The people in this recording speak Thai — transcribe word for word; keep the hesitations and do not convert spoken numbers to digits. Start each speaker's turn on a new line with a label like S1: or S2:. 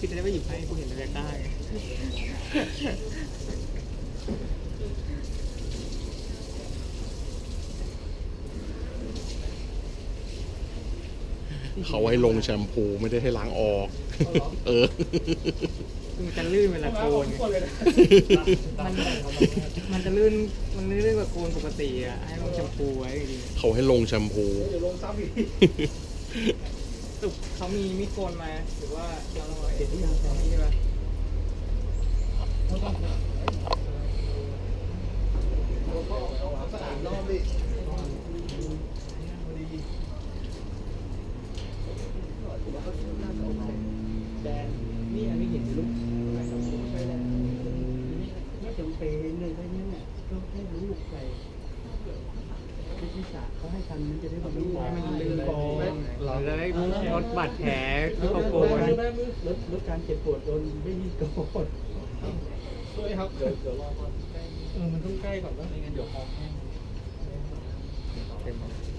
S1: พี่จะได้ไม่หยิบให้กูเห็นบรรยากาศ
S2: เขาให้ลงแชมพูไม่ได้ให้ล้างออกเออ
S1: มันจะลื่นเวลาโกนมันมันจะลื่นมันลื่นกว่าโกนปกติอ่ะให้ลงแชมพูไว้ดี
S2: เขาให้ลงแชมพู
S1: ลงซ้ำอีกตุกเขามีมีโกนมาหรือว่าเราเห็นที่ยังใช่ไหมแดนนี่อันนี้เห็นลูกไม่จำเป็นไม่จำเป็นเลยได้เนี่ยก็แค่ลูกใส่ที่ศาสตร์เขาให้ทันมันจะได้แบบให้มันลื่นก่อนเราจะได้ลดบาดแผลที่เขาโกนลดลดการเจ็บปวดโดนไม่มีก่อนด้วยครับเดี๋ยวเดี๋ยวรอก่อนเออมันต้องใกล้ก่อนว่าไม่งั้นเดี๋ยวคอแห้ง